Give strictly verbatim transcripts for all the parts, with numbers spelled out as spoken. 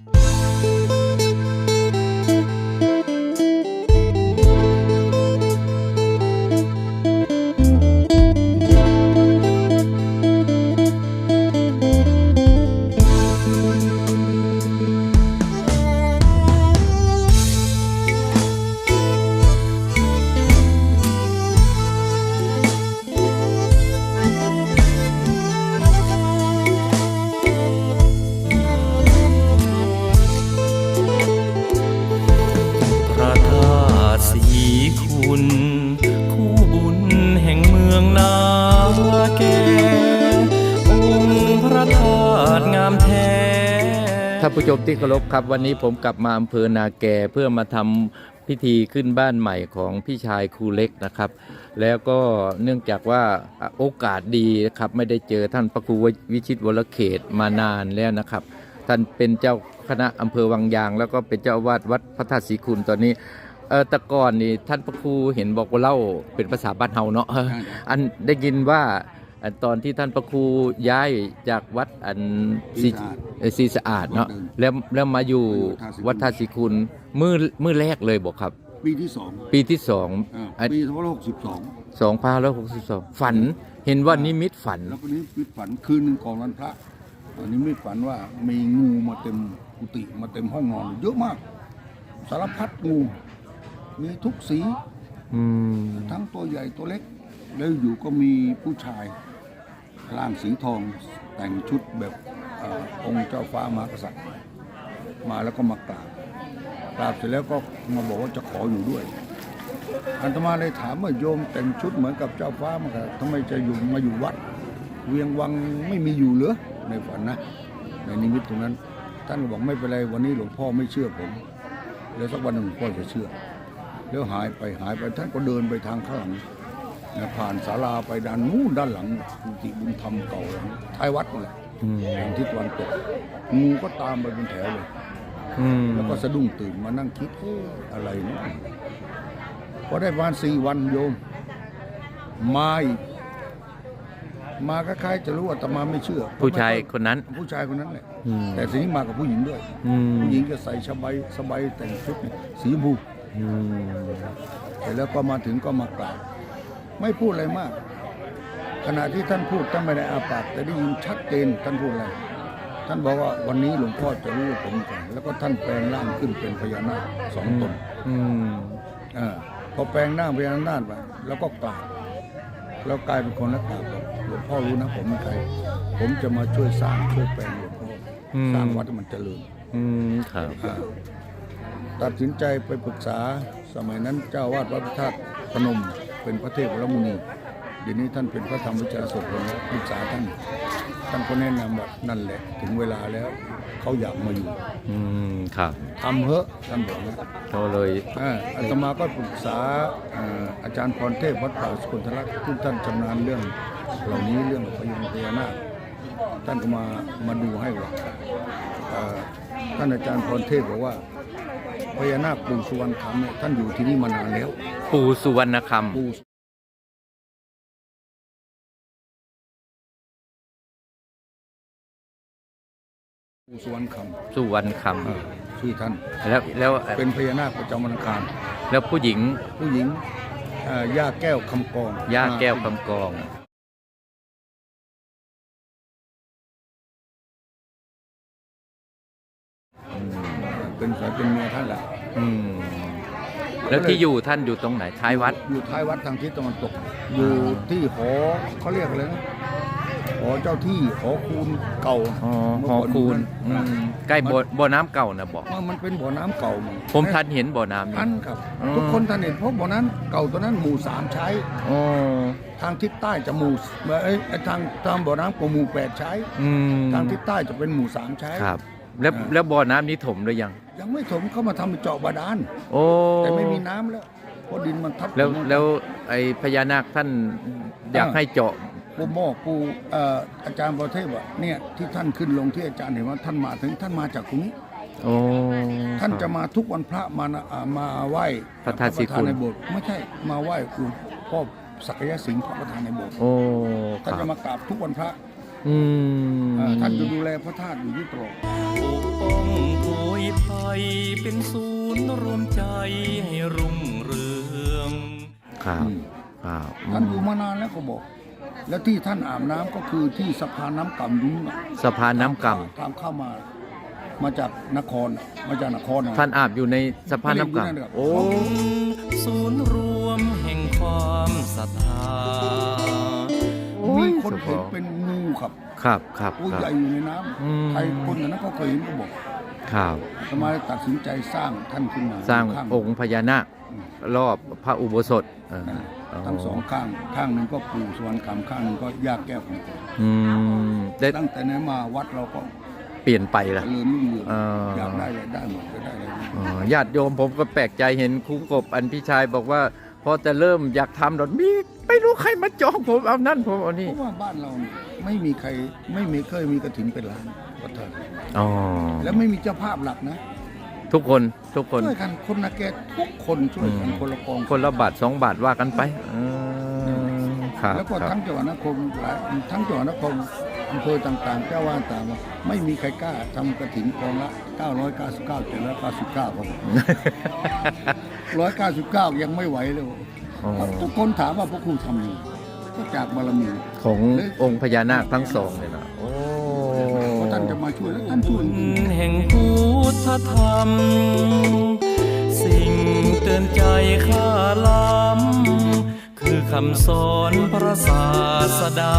คุณคู่บุญแห่งเมืองนาแก่องค์พระธาตุงามแท้ท่านผู้ชมที่เคารพครับวันนี้ผมกลับมาอำเภอนาแกเพื่อมาทำพิธีขึ้นบ้านใหม่ของพี่ชายครูเล็กนะครับแล้วก็เนื่องจากว่าโอกาสดีครับไม่ได้เจอท่านพระครูวิชิตวรเขตมานานแล้วนะครับท่านเป็นเจ้าคณะอำเภอวังยางแล้วก็เป็นเจ้าอาวาสวัดพระธาตุศรีคุณตอนนี้เออแต่ก่อนนี่ท่านพระครูเห็นบอกว่าเล่าเป็นภาษาบ้านเฮาเนาะอันได้ยินว่าตอนที่ท่านพระครูย้ายจากวัดอันศรีสะอาดเนาะแล้วแล้วมาอยู่วัดธาตุศรีคุณมือมือแรกเลยบอกครับปีที่สองปีที่สองปีสองพันหกสิบสองสองพันร้อยหกสิบสองฝันเห็นว่านิมิตฝันแล้วก็นิมิตฝันคืนหนึ่งก่อนวันพระนิมิตฝันว่ามีงูมาเต็มกุฏิมาเต็มห้องนอนเยอะมากสารพัดงูมีทุกสีทั้งตัวใหญ่ตัวเล็กแล้วอยู่ก็มีผู้ชายร่างสีทองแต่งชุดแบบองค์เจ้าฟ้ามหากษัตริย์มาแล้วก็มากราบกราบเสร็จแล้วก็มาบอกว่าจะขออยู่ด้วยอาตมาเลยถามว่าโยมแต่งชุดเหมือนกับเจ้าฟ้ามากษัตริย์ทำไมจะอยู่มาอยู่วัดเวียงวังไม่มีอยู่เหรอในฝันนะในนิมิตตรงนั้นท่านก็บอกไม่เป็นไรวันนี้หลวงพ่อไม่เชื่อผมแล้วสักวันหนึ่งหลวงพ่อจะเชื่อแล้วหายไปหายไปท่านก็เดินไปทางข้างหลังผ่านศาลาไปด้านนู้นด้านหลังกุฏิบุญธรรมเก่าหลังท้ายวัดนั่นแหละทางทิศตะวันตกงูก็ตามไปเป็นแถวเลยแล้วก็สะดุ้งตื่นมานั่งคิดเอ๊ะอะไรเนี่ยพอได้ประมาณสี่วันโยมมาอีกมาคล้ายๆจะรู้ว่าแต่มาไม่เชื่อผู้ชายคนนั้นผู้ชายคนนั้นแหละแต่ทีนี้มากับผู้หญิงด้วยผู้หญิงจะใส่สบายสบายแต่งชุดสีชมพูเสร็จแล้วก็มาถึงก็มากราบไม่พูดอะไรมากขณะที่ท่านพูดท่านไม่ได้อาปากแต่ได้ยินชัดเจนท่านพูดอะไรท่านบอกว่าวันนี้หลวงพ่อจะรู้ผมก่อนแล้วก็ท่านแปลงร่างขึ้นเป็นพญานาคสองตนอ่าพอแปลงร่างพญานาคไปแล้วก็กราบแล้วกลายเป็นคนละกราบบอกหลวงพ่อรู้นะผมเป็นใครผมจะมาช่วยสร้างช่วยแปลงหลวงพ่อสร้างวัดให้มันเจริญครับตัดสินใจไปปรึกษาสมัยนั้นเจ้าวาดวัดพระธาตุพนมเป็นพระเทพวรมุนีเดี๋ยวนี้ท่านเป็นพระธรรมวิจารสดแล้วปรึกษาท่านท่านก็แนะนำว่านั่นแหละถึงเวลาแล้วเขาอยากมาอยู่อืมครับทำเหอะท่านบอกนะเขาเลยอาตมาก็ปรึกษาอาจารย์พรเทพวัดป่าสกุลทลักษณ์ที่ท่านชำนาญเรื่องเหล่านี้เรื่องพญาพญานาคท่านก็มามาดูให้ว่าท่านอาจารย์พรเทพบอกว่าพญานาคปู่สุวรรณคำเนี่ยท่านอยู่ที่นี่มานานแล้วปู่สุวรรณคำปู่สุวรรณคำสุวรรณคำชื่อท่านแล้วแล้วเป็นพญานาคประจำวันอังคารแล้วผู้หญิงผู้หญิงย่าแก้วคำกองย่าแก้วคำกองเป็นสายเป็นเมียท่านแหละแล้วที่อยู่ท่านอยู่ตรงไหนท้ายวัดอยู่ท้ายวัดทางทิศตะวันตกอยู่ที่หอเขาเรียกอะไรนะหอเจ้าที่หอคูนเก่าหอคูนใกล้บ่อน้ำเก่านะบอกมันเป็นบ่อน้ำเก่าผมท่านเห็นบ่อน้ำท่านครับทุกคนท่านเห็นเพราะบ่อนั้นเก่าตัวนั้นหมู่สามใช้ทางทิศใต้จะหมู่เอ้ยทางทางบ่อน้ำของหมู่แปดใช้ทางทิศใต้จะเป็นหมู่สามใช้ครับแล้วแล้วบ่อน้ำนี้ถมหรือยังยังไม่ถมเข้ามาทำเจาะบาดาลแต่ไม่มีน้ำแล้วเพราะดินมันทับแล้วแล้วไอ้พญานาคท่านอยากให้เจาะปูหม้อปูอาจารย์ประเทศว่าเนี่ยที่ท่านขึ้นลงที่อาจารย์เห็นว่าท่านมาถึงท่านมาจากตรงนี้ท่านจะมาทุกวันพระมามาไหว้พระธาตุศรีคุณในโบสถ์ไม่ใช่มาไหว้หลวงพ่อศักยสิงห์พระประธานในโบสถ์ท่านจะมากราบทุกวันพระท่านจะดูแลพระธาตุอยู่ที่ตลอดนย์รวมใจให้รุ่งเรืองครับอืมครับท่านอยู่มานานแล้วก็บอก แล้วที่ท่านอาบน้ำก็คือที่สะพานน้ำกำนู้นน่ะสะพานน้ำกทางเข้ามา มาจากนครน่ะมาจากนครน่ะำท่านอาบอยู่ในสะพานน้ำกไม่ได้อยู่นั่นหรอกำโอ้ศูนย์รวมแห่งความศรัทธามีคนเห็นเป็นงูครับครับครับตัวครัใหญ่บอยู่ในน้อืมำใครคนนั้นก็เคยเห็นก็บอกครับทำไมตัดสินใจสร้างท่านขึ้นมาสร้างข้องค์พญานาคอืมรอบพระอุโบสถเออนั่นทั้งสองข้างข้างหนึ่งก็ปู่สวรรณคำข้างหนึ่งก็ยากแก้วของผมอืมได้ตั้งแต่นั้นมาวัดเราก็เปลี่ยนไปเจละริญรุ่งเรืองเออออยากได้อะไรได้หมดจะได้อะไรได้หมดอ๋อญาติโยมผมก็แปลกใจเห็นครูกบอันพี่ชายบอกว่า พอจะเริ่มอยากทำดอกมีไม่รู้ใครมาจองผมเอานั่นผมเอานี่เพราะว่าบ้านเราเนี่ยไม่มีใครไม่มีเคยมีกระถินเป็นล้านวัดเถอะอ๋อแล้วไม่มีเจ้าภาพหลักนะทุกคนทุกคนช่วยกันคนนาแกทุกคนช่วยกันอืมคนละกองคนละบาทสองบาทว่ากันไปอืมครับแล้วก็ครับทั้งจังหวัดนครหลายทั้งจังหวัดนครอำเภอต่างๆเจ้าว่าต่างๆไม่มีใครกล้าทำกระถินกองละเก้าร้อยเก้าสิบเก้า เจ็ดร้อยเก้าสิบเก้าครับ ร้อยเก้าสิบเก้ายังไม่ไหวเลยอ๋อทุกคนถามว่าพวกครูทำยังไงก็จากบารมีขององค์พญานาคทั้งสองเลยนะโอ้เพราะท่านจะมาช่วยแล้วท่านช่วยจริงแห่งพุทธธรรม สิ่งเตือนใจข้าล้ำคือคำสอนพระศาสดา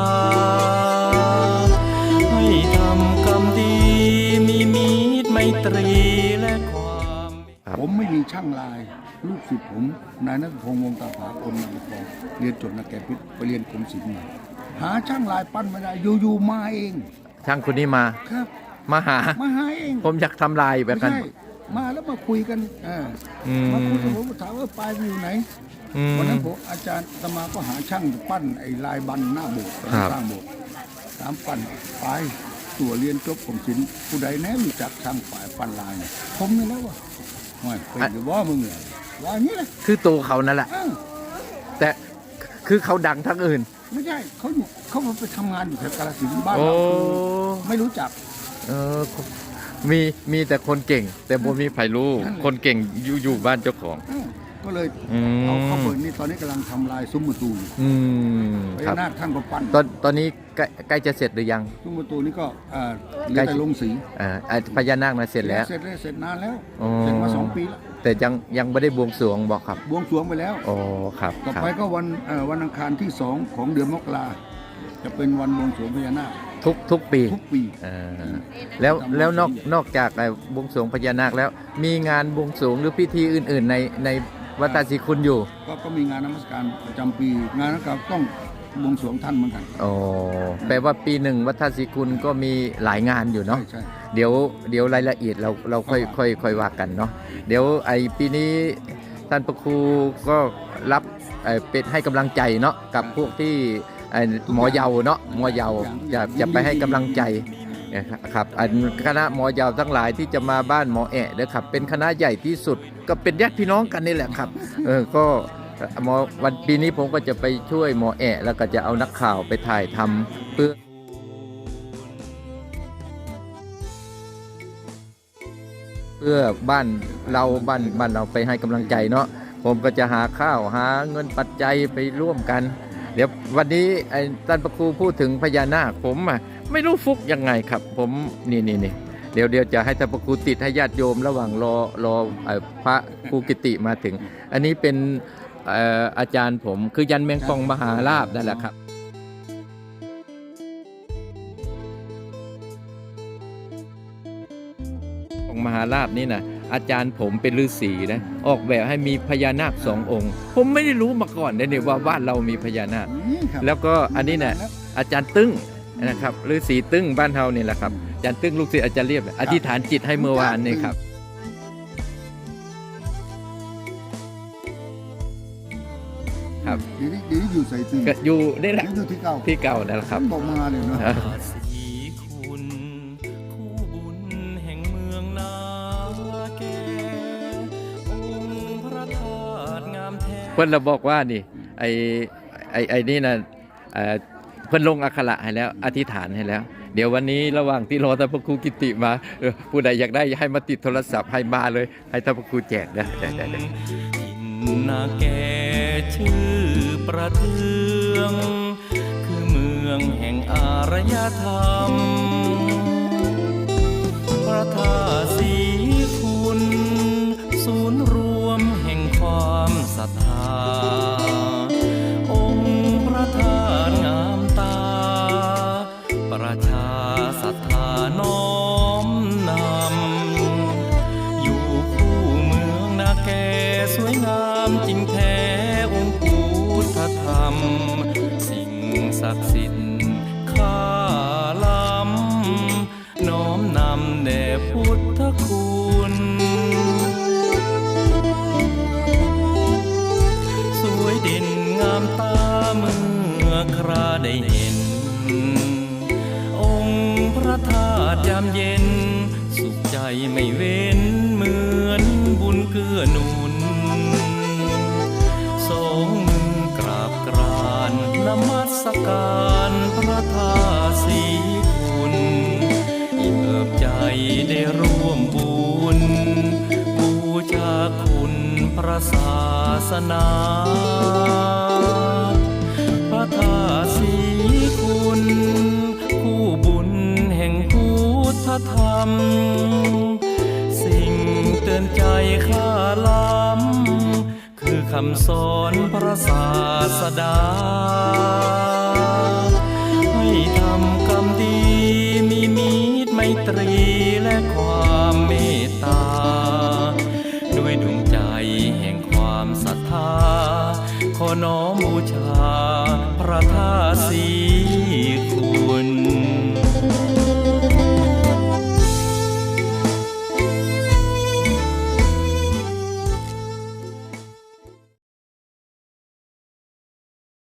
ให้ทำกรรมดีมีมีตรไมตรีและความผมไม่มีช่างลาย ลูกศิษย์ผมนายนัทพงษ์วงศ์ตาผาคนนางทองเรียนจบนักแกะพิษไปเรียนกรมศิลป์มาหาช่างลายปั้นไม่ได้อยู่ๆมาเองช่างคนนี้มาครับมาหามาหาเองผมอยากทำลายแบบไม่นั้นใช่มาแล้วมาคุยกันอ่าอืมมาคุยกับผมถามว่าปลายมันอยู่ไหนอืมวันนั้นผมอาจารย์อาตมาก็หาช่างปั้นไอ้ลายบันหน้าโบสถ์ครับสร้างโบสถ์ถามปั้นไปตัวเรียนจบกรมศิลป์ผู้ใดแน่รู้จักช่างฝ่ายปั้นลายเนี่ยผมนี่แล้ววะไม่เป็นหรือว่ามึงเนี่ยว่าอย่างนี้เลยคือตัวเขานั่นแหละอ้าวแต่คือเขาดังทั้งอื่นไม่ใช่เขาอยู่เขาไปทำงานอยู่แถวกาฬสินธุ์บ้านโอ้เราคือไม่รู้จักเออมีมีแต่คนเก่ง แต่บ่มีใครรู้นั่นแหละคนเก่งอยู่อยู่บ้านเจ้าของอ้าวก็เลยอืมเอาเข้าเปิดนี่ตอนนี้กำลังทำลายซุ้มประตูอยู่อืมพครัญาบนาคท่านก็ปั้นตอนตอนนี้ใกล้ใกล้จะเสร็จหรือยังซุ้มประตูนี่ก็เอ่อเหลืใกล้อแต่ลงสีอ่าอ่าพญานาคนะเสร็จแล้วเสร็จแล้วเสร็จนานแล้วอ๋อเสร็จมาสองปีแล้วแต่ยังยังไม่ได้บวงสรวงบอกครับบวงสรวงไปแล้วอ๋อครับต่อครับไปก็วันเอ่อวันอังคารที่สองของเดือนมกราจะเป็นวันบวงสรวงพญานาคทุกทุกปีทุกปีอ่าแล้วแล้วนอกนอกจากไอ้บวงสรวงพญานาคแล้ว มีงานบวงสรวงหรือพิธีอื่น ๆ ในในวัดตาศรีคุณอยู่ก็ก็มีงานนมัสการประจำปี งานนั้นก็ต้องบวงสรวงท่านเหมือนกันอ๋อแปลว่าปีหนึ่งวัดท่าศรีคุณก็มีหลายงานอยู่ใช่เนาะใช่เดี๋ยวเดี๋ยวรายละเอียดเราเราค่อยครับค่อยค่อยว่ากันเนาะเดี๋ยวไอ้ปีนี้ท่านประครูก็รับเอ่อเป็นให้กำลังใจเนาะกับพวกที่ไอ้หมอเยาเนาะหมอเยาจะจะไปให้กำลังใจนะครับอันคณะหมอเยาทั้งหลายที่จะมาบ้านหมอแอะเด้อครับเป็นคณะใหญ่ที่สุดก็เป็นญาติพี่น้องกันนี่แหละครับเออก็หมอวันปีนี้ผมก็จะไปช่วยหมอแอะแล้วก็จะเอานักข่าวไปถ่ายทำเพื่อ เพื่อบ้านเราบ้านบ้านเราไปให้กำลังใจเนาะผมก็จะหาข้าวหาเงินปัจจัยไปร่วมกัน เดี๋ยววันนี้ไอ้ท่านพระครูพูดถึงพญานาคผมอ่ะไม่รู้ฟุกยังไงครับ ผมนี่นี่นี่เดี๋ยวเดี๋ยวจะให้ท่านพระครูติดให้ญาติโยมระหว่างรอรอเอ่อพระครูกิติมาถึง อันนี้เป็นเอ่ออาจารย์ผมคือยันแมงปองมหาลาภนั่นแหละครับ ของมหาราชนี่นะอาจารย์ผมเป็นฤาษีนะออกแบบให้มีพญานาคสององค์ ผมไม่ได้รู้มาก่อนเลยเนี่ยว่าบ้านเรามีพญานาคนี่ครับแล้วก็อันนี้นะอาจารย์ตึ้งนะครับฤาษีตึ้งบ้านเฮานี่แหละครับอาจารย์ตึ้งลูกศิษย์อาจารย์เรียบอธิษฐานจิตให้เมื่อวานนี่ครับครับเดี๋ยวนี้เดี๋ยวนี้อยู่ใส่ตึงก็อยู่นี่แหละอยู่ที่เก่าที่เก่านั่นแหละครับท่านบอกมาเลยเนาะสีคุณคู่บุญแห่งเมืองนาแกองค์พระธาตุงามแท้เพิ่นเราบอกว่านี่ไอ้ไอ้ไอ้นี่นะเอ่อเพิ่นลงอักขระให้แล้วอธิษฐานให้แล้วเดี๋ยววันนี้ระหว่างที่รอท่านพระครูกิติมาเออผู้ใดอยากได้ให้มาติดโทรศัพท์ให้มาเลย ให้ท่านพระครูแจกนะได้ได้ได้ถิ่นนาแกชื่อประเทือง คือเมืองแห่งอารยธรรม พระธาตุศรีคุณ ศูนย์รวมแห่งความศรัทธา องค์พระธาตุงามตา ประชาศรัทธาน้อมนำ อยู่คู่เมืองนาแกสวยงามจริงแท้องค์พุทธธรรม สิ่งศักดิ์สิทธิ์ข้าล้ำน้อมนำแด่พุทธคุณ สวยเด่นงามตาเมื่อคราได้เห็น องค์พระธาตุยามเย็น สุขใจไม่เว้นเหมือนบุญเกื้อหนุน สองมือกราบกรานนมัสการพระธาตุศรีคุณอิ่มเอิบใจได้ร่วมบุญบูชาคุณพระศาสนา พระธาตุศรีคุณคู่บุญแห่งพุทธธรรม สิ่งเตือนใจข้าล้ำคือคำสอนพระศาสดา ให้ทำกรรมดีมีมิตรไมตรีและความเมตตา ด้วยดวงใจแห่งความศรัทธา ขอน้อมบูช